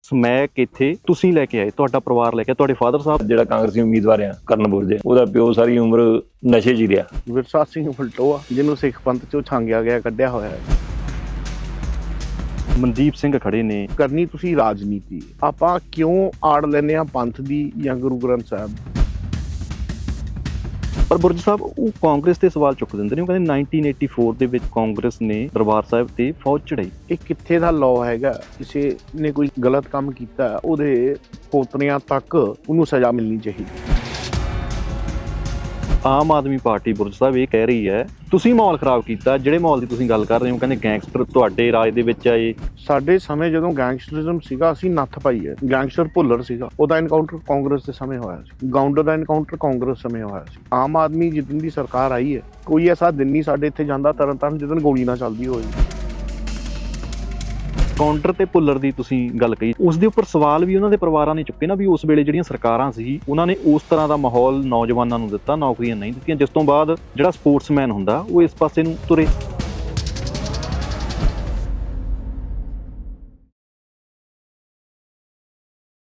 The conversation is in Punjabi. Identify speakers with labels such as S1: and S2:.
S1: ਸਮੈਕ ਇੱਥੇ ਤੁਸੀਂ ਲੈ ਕੇ ਆਏ, ਤੁਹਾਡਾ ਪਰਿਵਾਰ ਲੈ ਕੇ, ਤੁਹਾਡੇ ਫਾਦਰ ਸਾਹਿਬ।
S2: ਜਿਹੜਾ ਕਾਂਗਰਸੀ ਉਮੀਦਵਾਰ ਆ ਕਰਨਪੁਰ ਦੇ, ਉਹਦਾ ਪਿਓ ਸਾਰੀ ਉਮਰ ਨਸ਼ੇ 'ਚ ਹੀ ਰਿਹਾ।
S3: ਵਿਰਸਾ ਸਿੰਘ ਫਲਟੋਆ, ਜਿਹਨੂੰ ਸਿੱਖ ਪੰਥ ਚੋਂ ਛਾਂਗਿਆ ਗਿਆ, ਕੱਢਿਆ ਹੋਇਆ ਹੈ।
S1: ਮਨਦੀਪ ਸਿੰਘ ਖੜੇ ਨੇ।
S3: ਕਰਨੀ ਤੁਸੀਂ ਰਾਜਨੀਤੀ, ਆਪਾਂ ਕਿਉਂ ਆੜ ਲੈਂਦੇ ਆ ਪੰਥ ਦੀ ਜਾਂ ਗੁਰੂ ਗ੍ਰੰਥ ਸਾਹਿਬ।
S1: ਪਰ ਬੁਰਜ ਸਾਹਿਬ ਉਹ ਕਾਂਗਰਸ ਤੇ ਸਵਾਲ ਚੁੱਕ ਦਿੰਦੇ ਨੇ। ਉਹ ਕਹਿੰਦੇ 1984 ਦੇ ਵਿੱਚ ਕਾਂਗਰਸ ਨੇ ਦਰਬਾਰ ਸਾਹਿਬ ਤੇ ਫੌਜ ਚੜਾਈ।
S3: ਇਹ ਕਿੱਥੇ ਦਾ ਲਾਅ ਹੈਗਾ? ਕਿਸੇ ਨੇ ਕੋਈ ਗਲਤ ਕੰਮ ਕੀਤਾ, ਉਹਦੇ ਪੋਤਰਿਆਂ ਤੱਕ ਉਹਨੂੰ ਸਜ਼ਾ ਮਿਲਣੀ ਚਾਹੀਦੀ।
S1: ਆਮ ਆਦਮੀ ਪਾਰਟੀ ਬੁਰਜ ਸਾਹਿਬ ਇਹ ਕਹਿ ਰਹੀ ਹੈ ਤੁਸੀਂ ਮਾਹੌਲ ਖਰਾਬ ਕੀਤਾ। ਜਿਹੜੇ ਮਾਹੌਲ ਦੀ ਤੁਸੀਂ ਗੱਲ ਕਰ ਰਹੇ ਹੋ, ਕਹਿੰਦੇ ਗੈਂਗਸਟਰ ਤੁਹਾਡੇ ਰਾਜ ਦੇ ਵਿੱਚ ਆਏ।
S3: ਸਾਡੇ ਸਮੇਂ ਜਦੋਂ ਗੈਂਗਸਟਰਿਜ਼ਮ ਸੀਗਾ, ਅਸੀਂ ਨੱਥ ਪਾਈ ਹੈ। ਗੈਂਗਸਟਰ ਭੁੱਲਰ ਸੀਗਾ, ਉਹਦਾ ਐਨਕਾਊਂਟਰ ਕਾਂਗਰਸ ਦੇ ਸਮੇਂ ਹੋਇਆ ਸੀ। ਗਾਉਂਡਰ ਦਾ ਐਨਕਾਊਂਟਰ ਕਾਂਗਰਸ ਸਮੇਂ ਹੋਇਆ ਸੀ। ਆਮ ਆਦਮੀ ਜਿੱਦਣ ਦੀ ਸਰਕਾਰ ਆਈ ਹੈ, ਕੋਈ ਐਸਾ ਦਿਨ ਨਹੀਂ ਸਾਡੇ ਇੱਥੇ ਜਾਂਦਾ ਤਰਨਤਾਰਨ ਜਿੱਦਣ ਗੋਲੀ ਨਾ ਚੱਲਦੀ ਹੋਵੇ।
S1: ਕਾਊਂਟਰ ਤੇ ਭੁੱਲਰ ਦੀ ਤੁਸੀਂ ਗੱਲ ਕਹੀ, ਉਸ ਦੇ ਉੱਪਰ ਸਵਾਲ ਵੀ ਉਹਨਾਂ ਦੇ ਪਰਿਵਾਰਾਂ ਨੇ ਚੁੱਕੇ ਨਾ, ਵੀ ਉਸ ਵੇਲੇ ਜਿਹੜੀਆਂ ਸਰਕਾਰਾਂ ਸੀ ਉਹਨਾਂ ਨੇ ਉਸ ਤਰ੍ਹਾਂ ਦਾ ਮਾਹੌਲ ਨੌਜਵਾਨਾਂ ਨੂੰ ਦਿੱਤਾ, ਨੌਕਰੀਆਂ ਨਹੀਂ ਦਿੱਤੀਆਂ, ਜਿਸ ਤੋਂ ਬਾਅਦ ਜਿਹੜਾ ਸਪੋਰਟਸਮੈਨ ਹੁੰਦਾ ਉਹ ਇਸ ਪਾਸੇ ਨੂੰ ਤੁਰੇ।